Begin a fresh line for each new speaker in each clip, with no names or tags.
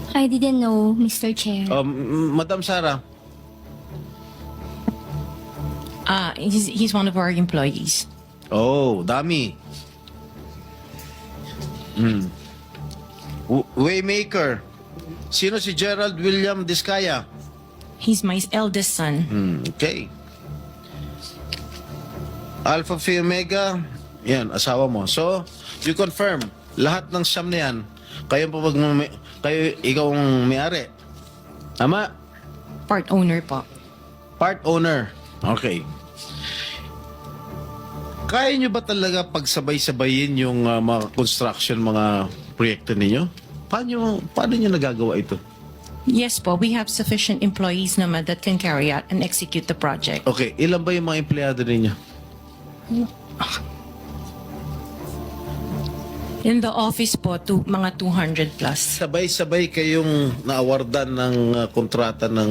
I didn't know, Mr. Chair.
Madam Sara,
He's one of our employees.
oh, dami. Waymaker, sino si Gerald William Diskaya?
He's my eldest son.
Okay. Alpha Phi Omega, yan, asawa mo. So, you confirm, lahat ng siyam na yan, kayo ikaw ang may-ari. Tama?
Part owner po.
Part owner. Okay. Kaya nyo ba talaga pagsabay-sabayin yung mga construction, mga proyekto ninyo? Paano nyo nagagawa ito?
Yes po, we have sufficient employees naman that can carry out and execute the project.
Okay, ilan ba yung mga empleyado ninyo?
In the office po, mga 200 plus.
Sabay-sabay kayong naawardan ng kontrata ng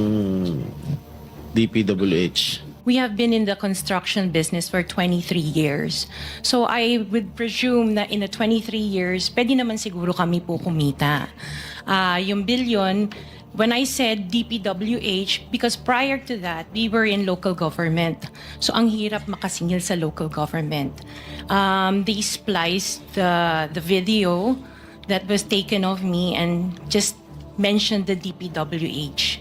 DPWH.
We have been in the construction business for 23 years. So I would presume na in the 23 years, pwede naman siguro kami po kumita. Yung billion, when I said DPWH, because prior to that, we were in local government. So ang hirap makasingil sa local government. They spliced the video that was taken of me and just mentioned the DPWH.